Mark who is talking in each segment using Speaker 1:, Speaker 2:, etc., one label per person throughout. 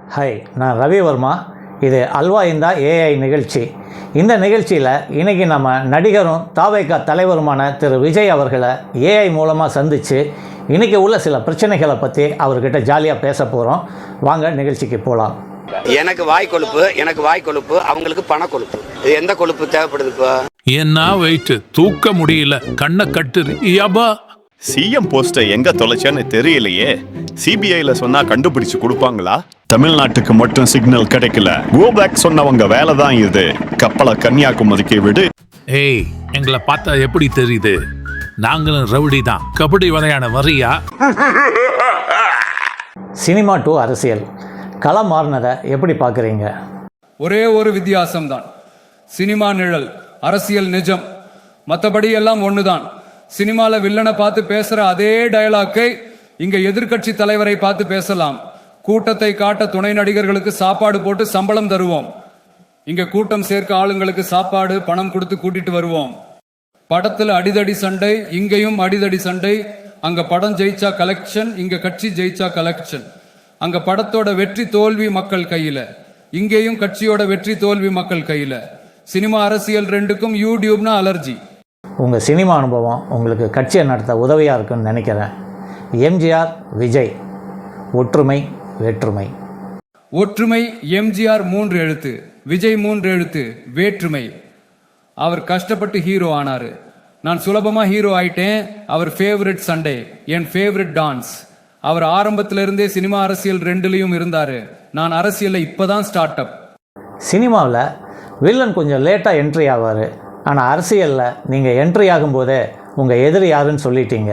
Speaker 1: Hi, நான் ரவிவர்மா. இது அல்வா இந்தா ஏஐ நிகழ்ச்சி. இந்த நிகழ்ச்சியில் இன்றைக்கி நம்ம நடிகரும் தாவேகா தலைவருமான திரு விஜய் அவர்களை ஏஐ மூலமாக சந்தித்து இன்றைக்கி உள்ள சில பிரச்சனைகளை பற்றி அவர்கிட்ட ஜாலியாக பேச போகிறோம். வாங்க நிகழ்ச்சிக்கு போகலாம்.
Speaker 2: எனக்கு வாய் கொழுப்பு, அவங்களுக்கு பண கொழுப்பு. இது எந்த கொழுப்பு தேவைப்படுது? இப்போ
Speaker 3: என்ன வெயிட் தூக்க முடியல, கண்ணை கட்டுது. யபா,
Speaker 4: சிஎம் போஸ்டை எங்க தொலைச்சேன்னு தெரியலையே. சிபிஐல சொன்னா கண்டுபிடிச்சு கொடுப்பாங்களா? தமிழ்நாட்டுக்கு மட்டும் சிக்னல் கிடைக்கல. கோ பேக் சொன்னவங்க வேலை தான் இது. கப்பலை கன்னியாகுமரிக்கு விடு.
Speaker 3: ஏய், எங்களை பார்த்தா எப்படி தெரியுது? நாங்களும் ரவுடி தான். கபடி விளையாட வரியா?
Speaker 1: சினிமா டு அரசியல் களம் மாறினதை எப்படி பார்க்குறீங்க?
Speaker 5: ஒரே ஒரு வித்தியாசம்தான். சினிமா நிழல், அரசியல் நிஜம். மற்றபடி எல்லாம் ஒண்ணுதான். சினிமால வில்லனை பார்த்து பேசுற அதே டயலாக்கை இங்க எதிர்கட்சி தலைவரை பார்த்து பேசலாம். கூட்டத்தை காட்ட துணை நடிகர்களுக்கு சாப்பாடு போட்டு சம்பளம் தருவோம். இங்க கூட்டம் சேர்க்க ஆளுங்களுக்கு சாப்பாடு பணம் கொடுத்து கூட்டிட்டு வருவோம். படத்துல அடிதடி சண்டை, இங்கேயும் அடிதடி சண்டை. அங்க படம் ஜெயிச்சா கலெக்ஷன், இங்க கட்சி ஜெயிச்சா கலெக்ஷன். அங்க படத்தோட வெற்றி தோல்வி மக்கள் கையில, இங்கேயும் கட்சியோட வெற்றி தோல்வி மக்கள் கையில. சினிமா அரசியல் ரெண்டுக்கும் யூடியூப்னா அலர்ஜி.
Speaker 1: உங்கள் சினிமா அனுபவம் உங்களுக்கு கட்சியை நடத்த உதவியாக இருக்குன்னு நினைக்கிறேன். எம்ஜிஆர், விஜய், ஒற்றுமை வேற்றுமை.
Speaker 5: ஒற்றுமை எம்ஜிஆர் 3 எழுத்து, விஜய் 3 எழுத்து, வேற்றுமை. அவர் கஷ்டப்பட்டு ஹீரோ ஆனாரு. நான் சுலபமா ஹீரோ ஆயிட்டேன். அவர் ஃபேவரட் சண்டே, என் ஃபேவரட் டான்ஸ். அவர் ஆரம்பத்திலிருந்தே சினிமா அரசியல் ரெண்டுலையும் இருந்தாரு. நான் அரசியல்ல இப்பதான் ஸ்டார்ட் அப்.
Speaker 1: சினிமாவில் வில்லன் கொஞ்சம் லேட்டாக என்ட்ரி ஆவார். ஆனால் அரசியலில் நீங்கள் என்ட்ரி ஆகும்போதே உங்கள் எதிரி யாருன்னு சொல்லிட்டீங்க.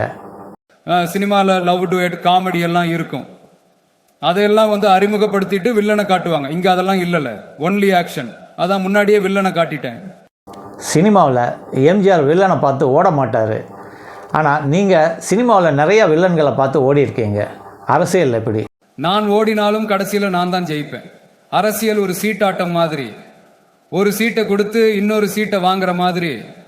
Speaker 5: சினிமாவில் லவ் டுவேட், காமெடி எல்லாம் இருக்கும். அதையெல்லாம் அறிமுகப்படுத்திட்டு வில்லனை காட்டுவாங்க. இங்கே அதெல்லாம் இல்லைல்ல, ஒன்லி ஆக்ஷன். அதான் முன்னாடியே வில்லனை காட்டிட்டேன்.
Speaker 1: சினிமாவில் எம்ஜிஆர் வில்லனை பார்த்து ஓட மாட்டார். ஆனால் நீங்கள் சினிமாவில் நிறைய வில்லன்களை பார்த்து ஓடி இருக்கீங்க. அரசியல் எப்படி?
Speaker 5: நான் ஓடினாலும் கடைசியில் நான் தான் ஜெயிப்பேன். அரசியல் ஒரு சீட்டாட்டம் மாதிரி. ஒரு சீட்டை கொடுத்து இன்னொரு சீட்டை வாங்குற மாதிரி.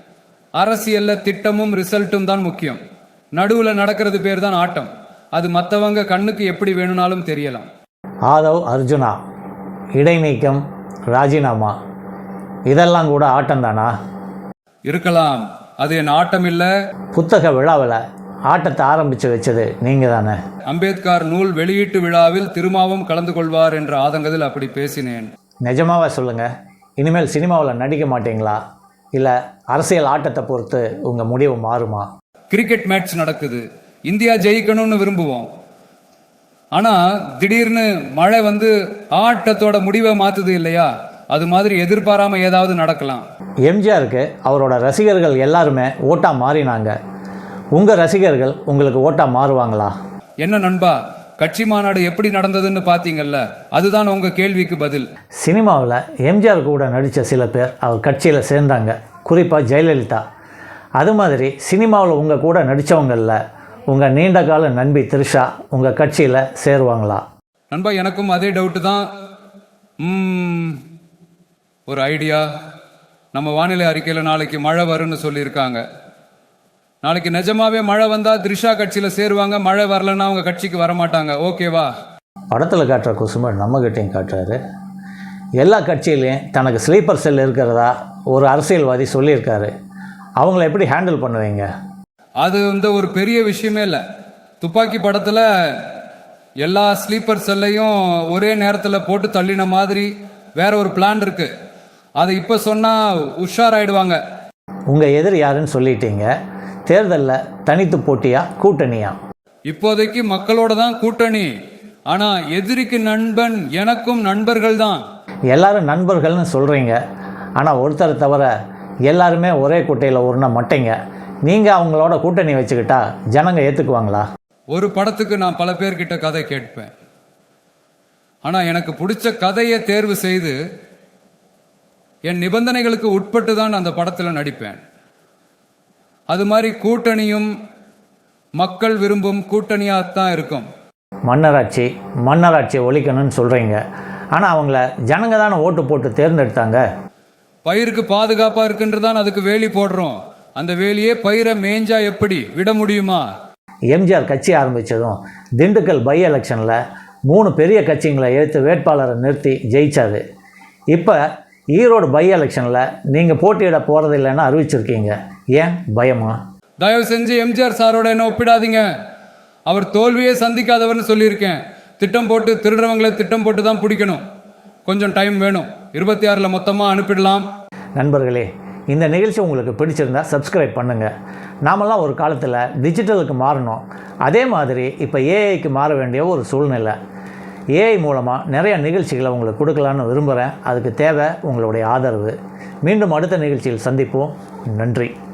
Speaker 5: அரசியல்ல திட்டமும் ரிசல்ட்டும் தான் முக்கியம். நடுவில் நடக்கிறது பேர் தான் ஆட்டம். அது மற்றவங்க கண்ணுக்கு எப்படி வேணும்னாலும் தெரியலாம்.
Speaker 1: ஆதவ் அர்ஜுனா, இடைநீக்கம், ராஜினாமா, இதெல்லாம் கூட ஆட்டம் தானா?
Speaker 5: இருக்கலாம். அது என் ஆட்டம் இல்லை.
Speaker 1: புத்தக விழாவில் ஆட்டத்தை ஆரம்பித்து வச்சது நீங்கள் தானே?
Speaker 5: அம்பேத்கர் நூல் வெளியீட்டு விழாவில் திருமாவும் கலந்து கொள்வார் என்ற ஆதங்கத்தில் அப்படி பேசினேன்.
Speaker 1: நிஜமாவே சொல்லுங்கள், இனிமேல் சினிமாவில் நடிக்க மாட்டீங்களா? இல்லை அரசியல் ஆட்டத்தை பொறுத்து உங்கள் முடிவு மாறுமா?
Speaker 5: கிரிக்கெட் மேட்ச் நடக்குது, இந்தியா ஜெயிக்கணும்னு விரும்புவோம். ஆனால் திடீர்னு மழை ஆட்டத்தோட முடிவை மாற்றுது இல்லையா? அது மாதிரி எதிர்பாராம ஏதாவது நடக்கலாம்.
Speaker 1: எம்ஜிஆருக்கு அவரோட ரசிகர்கள் எல்லாருமே ஓட்டா மாறினாங்க. உங்கள் ரசிகர்கள் உங்களுக்கு ஓட்டா மாறுவாங்களா?
Speaker 5: என்ன நண்பா, கட்சி மாநாடு எப்படி நடந்ததுன்னு பார்த்தீங்கல்ல, அதுதான் உங்க கேள்விக்கு பதில்.
Speaker 1: சினிமாவில் எம்ஜிஆர் கூட நடித்த சில பேர் அவர் கட்சியில் சேர்ந்தாங்க, குறிப்பாக ஜெயலலிதா. அது மாதிரி சினிமாவில் உங்கள் கூட நடித்தவங்களில் உங்கள் நீண்ட கால நண்பி த்ரிஷா உங்கள் கட்சியில் சேருவாங்களா?
Speaker 5: நண்பா, எனக்கும் அதே டவுட்டு தான். ஒரு ஐடியா. நம்ம வானிலை அறிக்கையில் நாளைக்கு மழை வரும்னு சொல்லியிருக்காங்க. நாளைக்கு நிஜமாவே மழை வந்தால் த்ரிஷா கட்சியில் சேருவாங்க. மழை வரலன்னா அவங்க கட்சிக்கு வரமாட்டாங்க. ஓகேவா?
Speaker 1: படத்தில் காட்டுற குசும்பர் நம்மகிட்டையும் காட்டுறாரு. எல்லா கட்சியிலையும் தனக்கு ஸ்லீப்பர் செல் இருக்கிறதா ஒரு அரசியல்வாதி சொல்லியிருக்காரு. அவங்கள எப்படி ஹேண்டில் பண்ணுவீங்க?
Speaker 5: அது ஒரு பெரிய விஷயமே இல்லை. துப்பாக்கி படத்தில் எல்லா ஸ்லீப்பர் செல்லையும் ஒரே நேரத்தில் போட்டு தள்ளின மாதிரி வேற ஒரு பிளான் இருக்கு. அதை இப்போ சொன்னால் உஷாராயிடுவாங்க.
Speaker 1: உங்கள் எதிரி யாருன்னு சொல்லிட்டீங்க. தேர்தலில் தனித்து போட்டியா கூட்டணியா?
Speaker 5: இப்போதைக்கு மக்களோட தான் கூட்டணி. ஆனால் எதிரிக்கு நண்பன் எனக்கும் நண்பர்கள் தான்.
Speaker 1: எல்லாரும் நண்பர்கள்னு சொல்கிறீங்க. ஆனால் ஒருத்தரை தவிர எல்லாருமே ஒரே குட்டையில் உருண மாட்டீங்க. நீங்கள் அவங்களோட கூட்டணி வச்சுக்கிட்டா ஜனங்க ஏற்றுக்குவாங்களா?
Speaker 5: ஒரு படத்துக்கு நான் பல பேர்கிட்ட கதை கேட்பேன். ஆனால் எனக்கு பிடிச்ச கதையை தேர்வு செய்து என் நிபந்தனைகளுக்கு உட்பட்டு தான் அந்த படத்தில் நடிப்பேன். அது மாதிரி கூட்டணியும் மக்கள் விரும்பும் கூட்டணியாகத்தான் இருக்கும்.
Speaker 1: மன்னராட்சி ஒழிக்கணும்னு சொல்கிறீங்க. ஆனால் அவங்கள ஜனங்க தானே ஓட்டு போட்டு தேர்ந்தெடுத்தாங்க.
Speaker 5: பயிருக்கு பாதுகாப்பாக இருக்குன்றதான் அதுக்கு வேலி போடுறோம். அந்த வேலியே பயிரை மேய்ஞ்சா எப்படி விட முடியுமா?
Speaker 1: எம்ஜிஆர் கட்சி ஆரம்பித்ததும் திண்டுக்கல் பை எலெக்ஷனில் 3 பெரிய கட்சிங்களை எடுத்து வேட்பாளரை நிறுத்தி ஜெயிச்சாரு. இப்போ ஈரோடு பை எலெக்ஷனில் நீங்கள் போட்டியிட போகிறதில்லைன்னு அறிவிச்சிருக்கீங்க. ஏன் பயமா?
Speaker 5: தயவு செஞ்சு எம்ஜிஆர் சாரோட என்ன ஒப்பிடாதீங்க. அவர் தோல்வியே சந்திக்காதவர்னு சொல்லியிருக்கேன். திட்டம் போட்டு திருடுறவங்களை திட்டம் போட்டு தான் பிடிக்கணும். கொஞ்சம் டைம் வேணும். 26 மொத்தமாக அனுப்பிடலாம்.
Speaker 1: நண்பர்களே, இந்த நிகழ்ச்சி உங்களுக்கு பிடிச்சிருந்தா சப்ஸ்கிரைப் பண்ணுங்கள். நாமெல்லாம் ஒரு காலத்தில் டிஜிட்டலுக்கு மாறணும். அதே மாதிரி இப்போ ஏஐக்கு மாற வேண்டிய ஒரு சூழ்நிலை. ஏஐ மூலமாக நிறைய நிகழ்ச்சிகளை உங்களுக்கு கொடுக்கலான்னு விரும்புகிறேன். அதுக்கு தேவை உங்களுடைய ஆதரவு. மீண்டும் அடுத்த நிகழ்ச்சியில் சந்திப்போம். நன்றி.